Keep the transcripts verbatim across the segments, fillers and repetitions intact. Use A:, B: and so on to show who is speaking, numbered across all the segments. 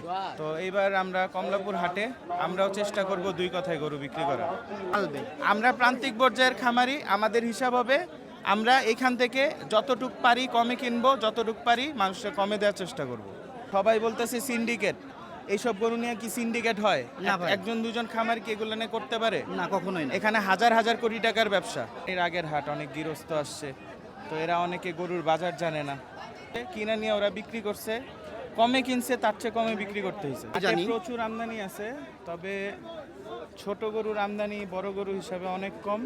A: তো এইবার আমরা কমলাপুর হাটে আমরাও চেষ্টা করব দুই কথায় গরু বিক্রি করা। আমরা প্রান্তিক পর্যায়ের খামারি, আমাদের হিসাব হবে আমরা এখান থেকে যতটুক পারি কমে কিনবো, যতটুক পারি মানুষের কমে দেওয়ার চেষ্টা করব। সবাই বলতেছে সিন্ডিকেট, এইসব গরু নিয়ে কি সিন্ডিকেট হয়?
B: না ভাই।
A: একজন দুজন খামার কি এগুলো নিয়ে করতে পারে?
B: না, কখনোই না।
A: এখানে হাজার হাজার কোটি টাকার ব্যবসা। এর আগের হাট অনেক গৃহস্থ আসছে, তো এরা অনেকে গরুর বাজার জানে না, কিনা নিয়ে ওরা বিক্রি করছে, কমে কিনছে, তার চেয়ে কমে বিক্রি করতে হয়েছে।
B: জানি।
A: প্রচুর আমদানি আছে, তবে ছোট গরুর আমদানি বড় গরু হিসাবে অনেক কম।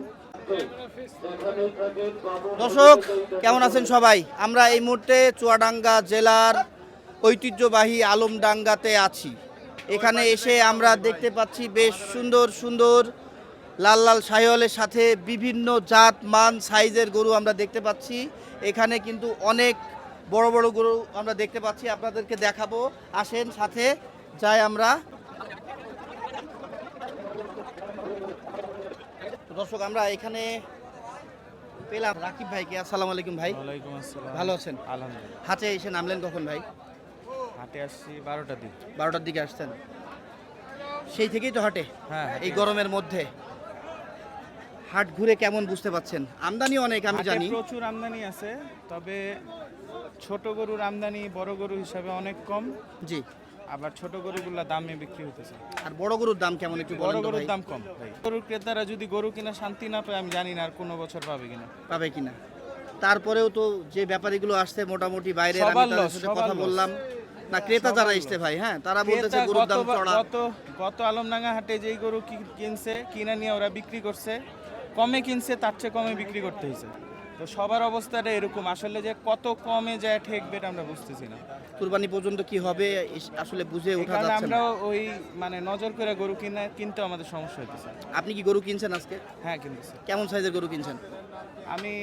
B: দর্শক কেমন আছেন সবাই? আমরা এই মুহূর্তে চুয়াডাঙ্গা জেলার ঐতিহ্যবাহী আলমডাঙ্গাতে আছি। এখানে এসে আমরা দেখতে পাচ্ছি বেশ সুন্দর সুন্দর লাল লাল শাহিওয়ালের সাথে বিভিন্ন জাত মান সাইজের গরু আমরা দেখতে পাচ্ছি। এখানে কিন্তু অনেক বড় বড় গরু আমরা দেখতে পাচ্ছি, আপনাদেরকে দেখাবো। আসেন সাথে যাই আমরা। দর্শক আমরা এখানে পেলাম রাকিব ভাইকে। আসসালামু আলাইকুম ভাই।
A: ওয়ালাইকুম আসসালাম।
B: ভালো আছেন?
A: আলহামদুলিল্লাহ।
B: হাটে এসে নামলেন কখন ভাই?
A: হাটে আসছি বারোটার দিকে।
B: বারোটার দিকে আসছেন? সেই থেকেই তো হাটে?
A: হ্যাঁ।
B: এই গরমের মধ্যে হাট ঘুরে কেমন বুঝতে পাচ্ছেন? আমদানি অনেক আমি
A: হাটে
B: জানি।
A: প্রচুর আমদানি আছে, তবে ছোট গরুর আমদানি বড় গরু হিসাবে অনেক কম।
B: জি।
A: আবার ছোট গরুগুলা দামে বিক্রি হতেছে।
B: আর বড় গরুর দাম কেমন একটু
A: বড়
B: বলেন তো
A: গরুর
B: ভাই?
A: দাম কম ভাই। গরুর ক্রেতারা যদি গরু কিনা শান্তি না পায়, আমি জানি না আর কোনো বছর পাবে কিনা।
B: পাবে কিনা। তারপরেও তো যে ব্যাপারীগুলো আসছে মোটামুটি বাইরে, আমি
A: সবার
B: তাদের
A: loss,
B: সাথে
A: সবার
B: কথা
A: loss।
B: বললাম না, ক্রেতা
A: সবার
B: যারা
A: loss।
B: আসছে ভাই, হ্যাঁ তারা বলতেছে
A: ক্রেতা
B: গরুর দাম
A: গতবার-
B: চড়া।
A: গত গত আলমডাঙ্গা হাটে যেই গরু কি- কিনছে, কিনা নিয়ে ওরা বিক্রি করছে, কমে কিনছে, তার চেয়ে কমে বিক্রি করতে হয়েছে। তো সবার অবস্থাটা এরকম, আসলে যে কত কমে যায় ঠেকবে এটা আমরা বুঝতেছি না।
B: কুরবানি পর্যন্ত কি হবে এস- আসলে বুঝে ওঠা
A: এখানে
B: যাচ্ছে
A: আমরা
B: না।
A: ওই মানে নজর করে গরু কিনা কিনতে আমাদের সমস্যা হইতেছে।
B: আপনি কি গরু কিনছেন আজকে?
A: হ্যাঁ কিনতেছে।
B: কেমন সাইজের গরু কিনছেন?
A: আমি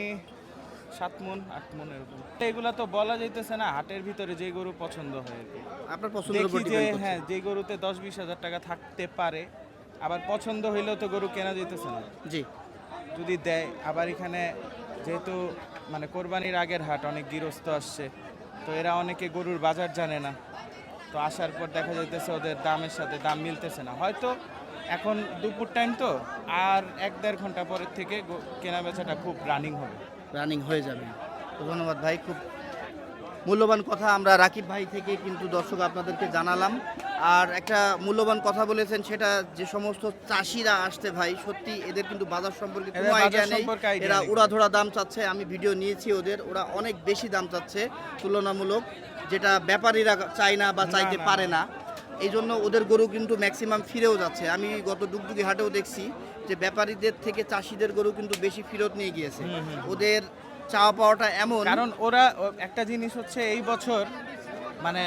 A: সাত মন আট মন এরকম। এগুলা তো বলা যাইতেছে না, হাটের ভিতরে যে গরু পছন্দ হয় আর কি।
B: আপনার পছন্দের উপর
A: দেখি যে
B: ডিপেন্ড করছে।
A: হ্যাঁ যে গরুতে দশ বিশ হাজার টাকা থাকতে পারে, আবার পছন্দ হইলেও তো গরু কেনা যাইতেছে না।
B: জি।
A: যদি দেয়, আবার এখানে যেহেতু মানে কোরবানির আগের হাট, অনেক গৃহস্থ আসছে, তো এরা অনেকে গরুর বাজার জানে না, তো আসার পর দেখা যাইতেছে ওদের দামের সাথে দাম মিলতেছে না। হয়তো এখন দুপুর টাইম তো, আর এক দেড় ঘন্টা পরের থেকে গো- কেনা বেচাটা খুব রানিং হবে।
B: রানিং হয়ে যাবে। তো ধন্যবাদ ভাই, খুব মূল্যবান কথা আমরা রাকিব ভাই থেকে কিন্তু দর্শক আপনাদেরকে জানালাম। আর একটা মূল্যবান কথা বলেছেন, সেটা যে সমস্ত চাষিরা আসছে ভাই, সত্যি এদের কিন্তু বাজার সম্পর্কে কোনো
A: এদের বাজার
B: আইডিয়া নেই।
A: সম্পর্কে idea
B: এরা
A: নেই।
B: উড়াধরা দাম চাচ্ছে, আমি ভিডিও নিয়েছি ওদের, ওরা অনেক বেশি দাম চাচ্ছে তুলনামূলক, যেটা ব্যাপারীরা চায় না বা
A: না,
B: চাইতে
A: না,
B: পারে না। এই জন্য ওদের গরু কিন্তু ম্যাক্সিমাম ফিরেও যাচ্ছে। আমি গত ডুগডুগি হাটেও দেখছি যে ব্যাপারীদের থেকে চাষিদের গরু কিন্তু বেশি ফেরত নিয়ে গিয়েছে। ওদের চাওয়া পাওয়াটা এমন,
A: কারণ ওরা ও- একটা জিনিস হচ্ছে, এই বছর মানে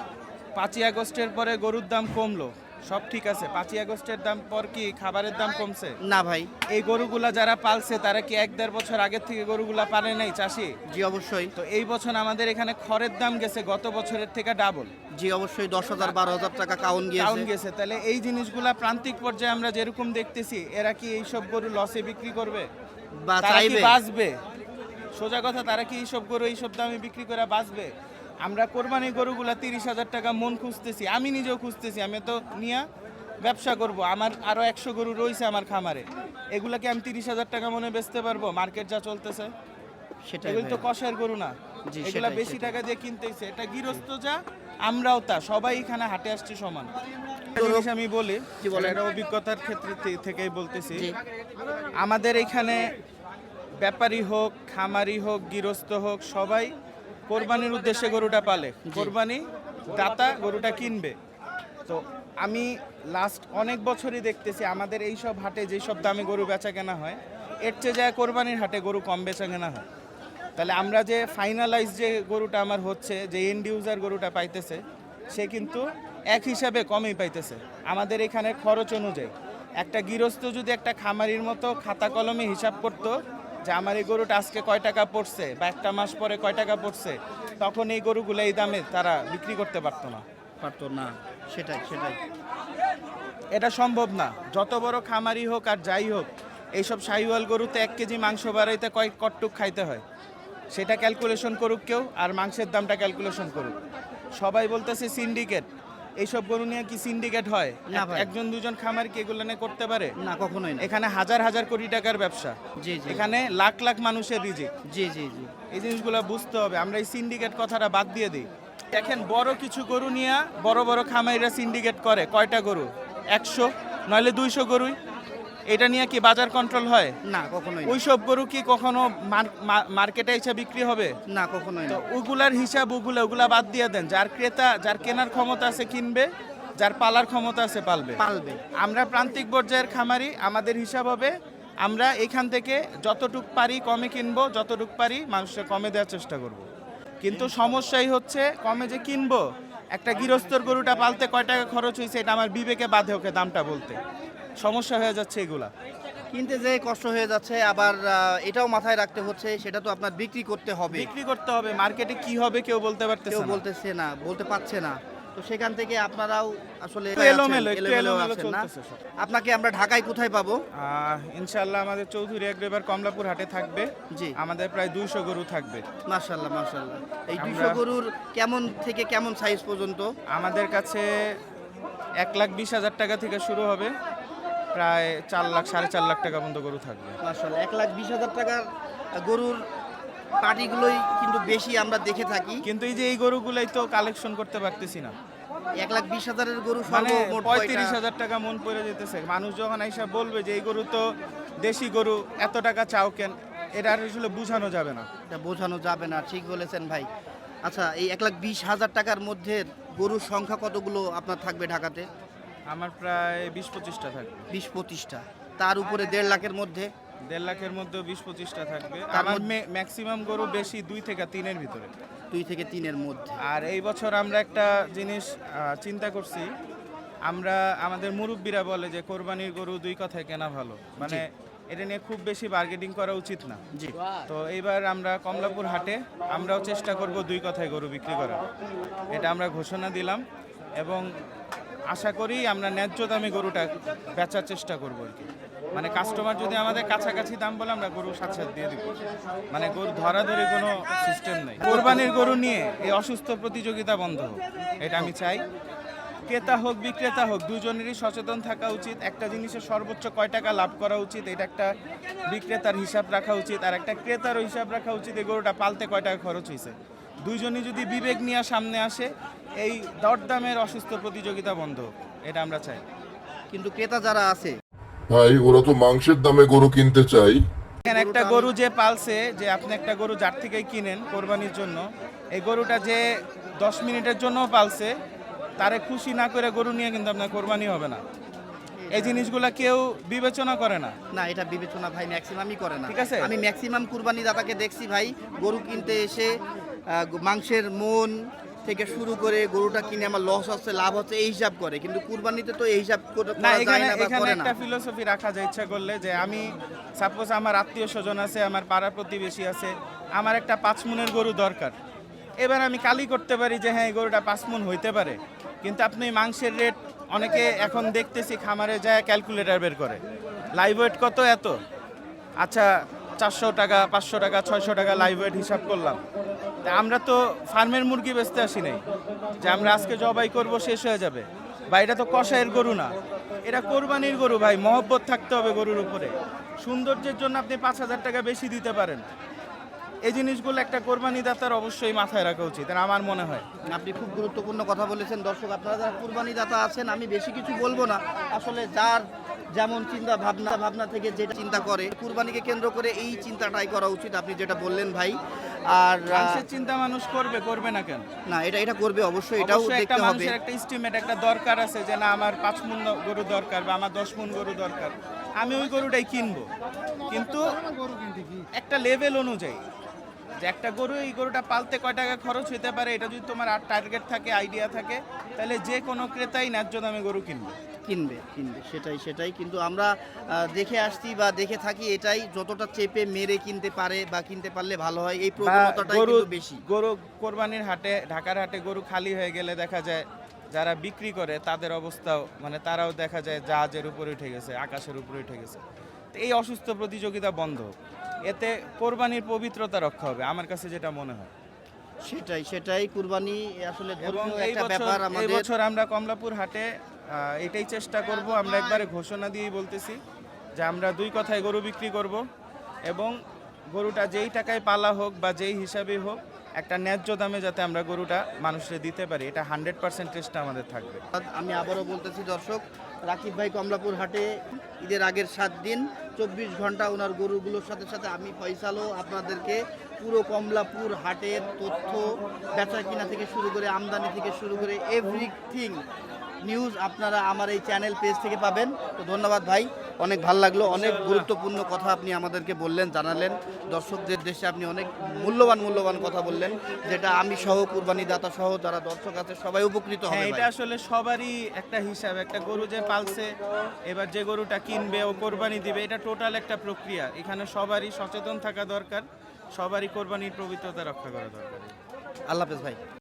A: পাঁচই আগস্টের পরে গরুর দাম কমলো, সব ঠিক আছে, পাঁচই আগস্টের দাম পর কি খাবারের দাম কমছে?
B: না ভাই।
A: এই গরুগুলা যারা পালছে তারা কি এক দেড় বছর আগের থেকে গরুগুলা পালে নাই চাষি?
B: জি অবশ্যই।
A: তো এই বছর আমাদের এখানে খড়ের দাম গেছে গত বছরের থেকে ডাবল।
B: জি অবশ্যই, দশ হাজার বারো হাজার টাকা কাউন
A: ডাউন
B: গিয়েছে।
A: গেছে। তাহলে এই জিনিসগুলা প্রান্তিক পর্যায়ে আমরা যেরকম দেখতেছি, এরা কি এইসব গরু লসে বিক্রি করবে?
B: বা
A: তারা কি
B: চাইবে।
A: বাঁচবে? সোজা কথা, তারা কি এইসব গরু এইসব দামে বিক্রি করে বাঁচবে? আমরা কোরবানি গরুগুলা তিরিশ হাজার টাকা মন খুঁজতেছি, আমি নিজেও খুঁজতেছি, আমি তো নিয়ে ব্যবসা করব, আমার আরো একশো গরু রয়েছে আমার খামারে, এগুলাকে আমি তিরিশ হাজার টাকা মনে বেচতে পারবো? মার্কেট যা চলতেছে,
B: সেটাই
A: এগুলো তো
B: ভাই।
A: কষের গরু না,
B: জি,
A: এগুলা
B: সেটাই,
A: বেশি
B: সেটাই।
A: টাকা দিয়ে কিনতেছে। এটা গৃহস্থ যা, আমরাও তা, সবাই এখানে হাটে আসছে সমান। একটা জিনিস আমি বলি,
B: জি, বলেন।
A: এটা অভিজ্ঞতার ক্ষেত্রে থে- থেকেই বলতেছি,
B: জি।
A: আমাদের এখানে ব্যাপারী হোক, খামারি হোক, গৃহস্থ হোক, সবাই কোরবানির উদ্দেশ্যে গরুটা পালে। কোরবানি দাতা গরুটা কিনবে। তো আমি লাস্ট অনেক বছরই দেখতেছি আমাদের এই সব হাটে যেই সব দামে গরু বেচা কেনা হয়, এর চেয়ে যায় কোরবানির হাটে গরু কম বেচা কেনা হয়। তাহলে আমরা যে ফাইনালাইজ যে গরুটা আমার হচ্ছে, যে এন্ড ইউজার গরুটা পাইতেছে, সে কিন্তু এক হিসাবে কমই পাইতেছে আমাদের এখানে খরচ অনুযায়ী। একটা গৃহস্থ যদি একটা খামারির মতো খাতা কলমে হিসাব করতো যে আমার এই গরুটা আজকে কয় টাকা পড়ছে বা একটা মাস পরে কয় টাকা পড়ছে, তখন এই গরুগুলো এই দামে তারা বিক্রি করতে পারতো না।
B: পারতো না, সেটাই সেটাই।
A: এটা সম্ভব না, যত বড় খামারি হোক আর যাই হোক, এইসব শাহিওয়াল গরুতে এক কেজি মাংস বাড়াইতে কয়েক কটটুক খাইতে হয়, সেটা ক্যালকুলেশন করুক কেউ, আর মাংসের দামটা ক্যালকুলেশন করুক। সবাই বলতেছে সিন্ডিকেট, এইসব গরু নিয়ে কি সিন্ডিকেট হয়?
B: না
A: এক-
B: ভাই।
A: একজন দুজন খামার কি এগুলো নিয়ে করতে পারে?
B: না কখনোই না।
A: এখানে হাজার হাজার কোটি টাকার ব্যবসা,
B: জি জি
A: এখানে লাখ লাখ মানুষের রিজিক।
B: জি জি জি
A: এই জিনিসগুলো বুঝতে হবে। আমরা এই সিন্ডিকেট কথাটা বাদ দিয়ে দিই। দেখেন বড় কিছু গরু নিয়ে বড় বড় খামারিরা সিন্ডিকেট করে কয়টা গরু? একশো নইলে দুইশো গরুই। এটা নিয়ে কি বাজার কন্ট্রোল হয়?
B: না কখনোই না।
A: ওইসব গরু কি কখনো মার- মা- মার্কেটে এসে বিক্রি হবে?
B: না কখনোই
A: তো
B: না।
A: ওগুলার হিসাব ওগুলা ওগুলা বাদ দিয়ে দেন। যার ক্রেতা, যার কেনার ক্ষমতা আছে কিনবে, যার পালার ক্ষমতা আছে পালবে।
B: পালবে।
A: আমরা প্রান্তিক পর্যায়ের খামারি, আমাদের হিসাব হবে আমরা এখান থেকে যতটুক পারি কমে কিনবো, যতটুক পারি মানুষের কমে দেওয়ার চেষ্টা করব। কিন্তু সমস্যাই হচ্ছে কমে যে কিনবো, একটা গৃহস্থর গরুটা পালতে কয় টাকা খরচ হয়েছে এটা আমার বিবেকে বাধে ওকে দামটা বলতে। সমস্যা হয়ে যাচ্ছে এগুলা।
B: কিনতে যে কষ্ট হয়ে যাচ্ছে, আবার আহ, এটাও মাথায় রাখতে হচ্ছে সেটা তো আপনার বিক্রি করতে হবে।
A: বিক্রি করতে হবে, মার্কেটে কি হবে কেউ বলতে
B: কেউ
A: পারতেছে না।
B: বলতেছে না, বলতে পারছে না। তো সেখান থেকে আপনারাও আসলে
A: একটু এলোমেলো,
B: আছেন,
A: একটু
B: এলোমেলো
A: এলোমেলো
B: আছেন না?
A: চলতেছে সব।
B: আপনাকে আমরা ঢাকায় কোথায় পাবো?
A: আহ, ইনশাল্লাহ আমাদের চৌধুরী এগ্রিবার কমলাপুর হাটে থাকবে।
B: জি।
A: আমাদের প্রায় দুইশো গরু থাকবে।
B: মাশাআল্লাহ মাশাআল্লাহ। এই
A: আমরা-
B: দুশো গরুর কেমন থেকে কেমন সাইজ পর্যন্ত?
A: আমাদের কাছে এক লাখ বিশ হাজার টাকা থেকে শুরু হবে, প্রায় চার লাখ সাড়ে চার লাখ টাকা পর্যন্ত গরু থাকবে।
B: মাশাআল্লাহ, এক লাখ বিশ হাজার টাকার গরুর পাটিগুলোই কিন্তু বেশি আমরা দেখে থাকি।
A: কিন্তু এই যে এই গরুগুলাই তো কালেকশন করতে পারতেছি না।
B: এক লাখ বিশ হাজারের গরু
A: মানে
B: সর্বমোট
A: পঁয়ত্রিশ
B: কয়টা?
A: হাজার টাকা মন পড়ে যেতেছে। মানুষ যখন এসে বলবে যে এই গরু তো দেশি গরু, এত টাকা চাও কেন, এটা আর আসলে বোঝানো যাবে না।
B: এটা বোঝানো যাবে না, ঠিক বলেছেন ভাই। আচ্ছা, এই এক লাখ বিশ হাজার টাকার মধ্যে গরুর সংখ্যা কতগুলো আপনার থাকবে ঢাকাতে?
A: আমার প্রায় বিশ পঁচিশটা থাকবে।
B: বিশ পঁচিশটা। তার উপরে দেড় লাখের মধ্যে?
A: দেড় লাখের মধ্যে বিশ পঁচিশটা থাকবে।
B: তার
A: আমার
B: মধ্যে-
A: ম্যাক্সিমাম গরু বেশি দুই থেকে তিনের ভিতরে।
B: দুই থেকে তিনের মধ্যে।
A: আর এই বছর আমরা একটা জিনিস আহ, চিন্তা করছি। আমরা আমাদের মুরব্বীরা বলে যে কোরবানির গরু দুই কথায় কেনা ভালো, মানে এটা নিয়ে খুব বেশি বার্গেটিং করা উচিত না।
B: জি।
A: তো এইবার আমরা কমলাপুর হাটে আমরাও চেষ্টা করব দুই কথায় গরু বিক্রি করার, এটা আমরা ঘোষণা দিলাম এবং আশা করি আমরা ন্যায্য দামে গরুটা বেচার চেষ্টা করব আর কি। মানে কাস্টমার যদি আমাদের কাছাকাছি দাম বলে আমরা গরু সাথে সাথে দিয়ে দিব। মানে গরু ধরাধরি কোনো সিস্টেম নেই। কোরবানির গরু নিয়ে এই অসুস্থ প্রতিযোগিতা বন্ধ হোক, এটা আমি চাই। ক্রেতা হোক বিক্রেতা হোক দুজনেরই সচেতন থাকা উচিত। একটা জিনিসের সর্বোচ্চ কয় টাকা লাভ করা উচিত এটা একটা বিক্রেতার হিসাব রাখা উচিত, আর একটা ক্রেতারও হিসাব রাখা উচিত এই গরুটা পালতে কয় টাকা খরচ হয়েছে। দুইজনই যদি বিবেক নিয়ে সামনে আসে, এই দরদামের অসুস্থ প্রতিযোগিতা বন্ধ হোক, এটা আমরা চাই।
B: কিন্তু ক্রেতা যারা আছে,
C: ভাই ওরা তো মাংসের দামে গরু কিনতে চাই।
A: এখানে একটা গরু যে পালছে, যে আপনি একটা গরু যার থেকেই কিনেন কোরবানির জন্য, এই গরুটা যে দশ মিনিটের জন্য পালছে, তারে খুশি না করে গরু নিয়ে কিন্তু আপনার কোরবানি হবে না। এই জিনিসগুলা কেউ বিবেচনা করে না।
B: না এটা বিবেচনা ভাই ম্যাক্সিমামই করে না।
A: ঠিক আছে।
B: আমি ম্যাক্সিমাম কুরবানি দাতাকে দেখছি ভাই, গরু কিনতে এসে আহ, মাংসের মন থেকে শুরু করে গরুটা কিনে আমার লস হচ্ছে লাভ হচ্ছে এই হিসাব করে, কিন্তু কুরবানিতে তো এই হিসাব করে-
A: না,
B: করা যায়
A: এখানে
B: না বা
A: এখানে
B: করে না।
A: একটা ফিলোসফি রাখা যায় ইচ্ছা করলে, যে আমি সাপোজ আমার আত্মীয় স্বজন আছে, আমার পাড়া প্রতিবেশী আছে, আমার একটা পাঁচ মুনের গরু দরকার। এবার আমি কালি করতে পারি যে হ্যাঁ এই গরুটা পাঁচ মুন হইতে পারে, কিন্তু আপনি মাংসের রেট অনেকে এখন দেখতেছি খামারে যায় ক্যালকুলেটর বের করে, লাইভ ওয়েট কত এত, আচ্ছা চারশো টাকা পাঁচশো টাকা ছয়শো টাকা লাইভ ওয়েট হিসাব করলাম। তা আমরা তো ফার্মের মুরগি বেচতে আসি নাই যে আমরা আজকে জবাই করব শেষ হয়ে যাবে। বা এটা তো কষায়ের গরু না, এটা কোরবানির গরু ভাই। মহব্বত থাকতে হবে গরুর উপরে। সৌন্দর্যের জন্য আপনি পাঁচ হাজার টাকা বেশি দিতে পারেন, এই জিনিসগুলো একটা কোরবানি দাতার অবশ্যই মাথায় রাখা উচিত আর আমার মনে হয়।
B: আপনি খুব গুরুত্বপূর্ণ কথা বলেছেন। দর্শক আপনারা যারা কুরবানি দাতা আছেন, আমি বেশি কিছু বলবো না, আসলে যার যেমন চিন্তা ভাবনা ভাবনা থেকে যেটা চিন্তা করে কুরবানিকে কেন্দ্র করে এই চিন্তাটাই করা উচিত, আপনি যেটা বললেন ভাই। আর আহ,
A: মানুষের চিন্তা মানুষ করবে, করবে না কেন?
B: না এটা এটা করবে অবশ্যই, এটাও
A: অবশ্যই একটা
B: দেখতে হবে।
A: মানুষের একটা এস্টিমেট, একটা দরকার আছে যে না আমার পাঁচ মুন গরু দরকার বা আমার দশ মুন গরু দরকার, আমি ওই গরুটাই কিনবো। কিন্তু একটা লেভেল অনুযায়ী যে একটা গরু, এই গরুটা পালতে কয় টাকা খরচ হতে পারে, এটা যদি তোমার আর টার্গেট থাকে, আইডিয়া থাকে, তাহলে যে কোনো ক্রেতাই ন্যায্য দামে গরু কিনবে।
B: কিনবে কিনবে সেটাই সেটাই কিন্তু আমরা আহ, দেখে আসছি বা দেখে থাকি এটাই, যতটা চেপে মেরে কিনতে পারে বা কিনতে পারলে ভালো হয়, এই
A: বা
B: প্রবণতাটাই
A: গরু
B: কিন্তু বেশি।
A: গরু কোরবানির হাটে, ঢাকার হাটে গরু খালি হয়ে গেলে দেখা যায় যারা বিক্রি করে তাদের অবস্থাও, মানে তারাও দেখা যায় জাহাজের উপরে উঠে গেছে, আকাশের উপরে উঠে গেছে। তো এই অসুস্থ প্রতিযোগিতা বন্ধ হোক, এতে কোরবানির পবিত্রতা রক্ষা হবে আমার কাছে যেটা মনে হয়।
B: সেটাই সেটাই কুরবানি আসলে
A: এবং
B: ধর্মীয়
A: এই
B: একটা
A: বছর
B: ব্যাপার
A: এই
B: আমাদের।
A: বছর আমরা কমলাপুর হাটে আহ, এটাই চেষ্টা করব, আমরা একবারে ঘোষণা দিয়েই বলতেছি যে আমরা দুই কথায় গরু বিক্রি করব এবং গরুটা যেই টাকায় পালা হোক বা যেই হিসাবেই হোক একটা ন্যায্য দামে যাতে আমরা গরুটা মানুষকে দিতে পারি, এটা হান্ড্রেড পার্সেন্ট চেষ্টা আমাদের থাকবে।
B: আমি আবারও বলতেছি দর্শক, রাকিব ভাই কমলাপুর হাটে ঈদের আগের সাত দিন চব্বিশ ঘন্টা ওনার গরুগুলোর সাথে সাথে আমি ফয়সালও আপনাদেরকে পুরো কমলাপুর হাটের তথ্য, বেচা কিনা থেকে শুরু করে আমদানি থেকে শুরু করে এভরিথিং নিউজ আপনারা আমার এই চ্যানেল পেজ থেকে পাবেন। তো ধন্যবাদ ভাই, অনেক ভালো লাগলো, অনেক গুরুত্বপূর্ণ কথা আপনি আমাদেরকে বললেন, জানালেন। দর্শকদের দেশে আপনি অনেক মূল্যবান মূল্যবান কথা বললেন, যেটা আমি সহ কুরবানি দাতা সহ যারা দর্শক আছে সবাই উপকৃত হবে
A: হ্যাঁ,
B: ভাই।
A: এটা আসলে সবারই একটা হিসাব, একটা গরু যে পালছে এবার যে গরুটা কিনবে ও কোরবানি দিবে, এটা টোটাল একটা প্রক্রিয়া। এখানে সবারই সচেতন থাকা দরকার, সবারই কোরবানির পবিত্রতা রক্ষা করা দরকার।
B: আল্লাহ হাফেজ ভাই।